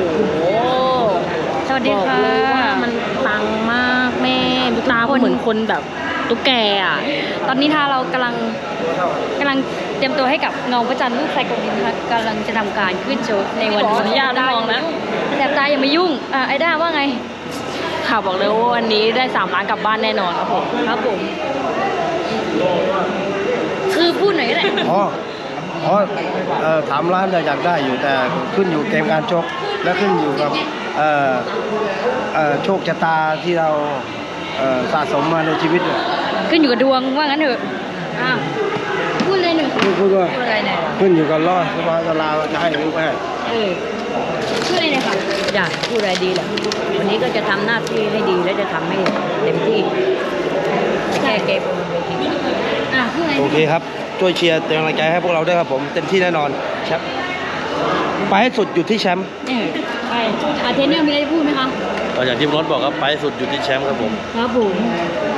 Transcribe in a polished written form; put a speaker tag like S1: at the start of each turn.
S1: สวัสดีค่ะ
S2: บอกเลยว่ามันปังมากแม่ตาเหมือนคนแบบตุ๊กแกอ่ะ
S1: ตอนนี้ถ้าเรากำลังเตรียมตัวให้กับเงาพระจันทร์ลูกไซโกนินนะคะกำลังจะทำการขึ้นโชว์ในวัน
S2: ขออนุญาตมองนะ
S1: แสบตาอย่ามายุ่งไอ้ด้าว่าไง
S2: ค่ะบอกเลยว่าวันนี้ได้3 ล้านกลับบ้านแน่นอนครับผม
S1: ครับผม คือพูดหน่อยก็ได้
S3: 3 ล้านอยากได้อยู่แต่ขึ้นอยู่เกมการชกและขึ้นอยู่กับโชคชะตาที่เราสะสมมาในชีวิต
S1: ขึ้นอยู่กับดวงว่างั้นเถอะอ้าวพูดเลยหนึ่ง
S3: พูดว่า
S1: พูดอะไรเนี่ย
S3: ขึ้นอยู่กับรอดสบายตลาจะให้หรือไม่ให้
S1: พูดอะไรเนี่ยค่ะ
S2: อยากพูดอะไรดีแหละวันนี้ก็จะทำหน้าที่ให้ดีและจะทำให้เต็มที่แค่เกมบนเวที
S1: พูดอะไร
S3: โอเคครับช่วยเชียร์เป็นกำลังใจให้พวกเราด้วยครับผมเต็มที่แน่นอนแชมป์ไปให้สุดอยู่ที่แชมป์
S1: ไปเทรนเนอร์มีอะไรจะพูดไหมคะ
S3: ก็อย่างที่รถบอกครับไปให้สุดอยู่ที่แชมป์ครับผม
S1: ครับผม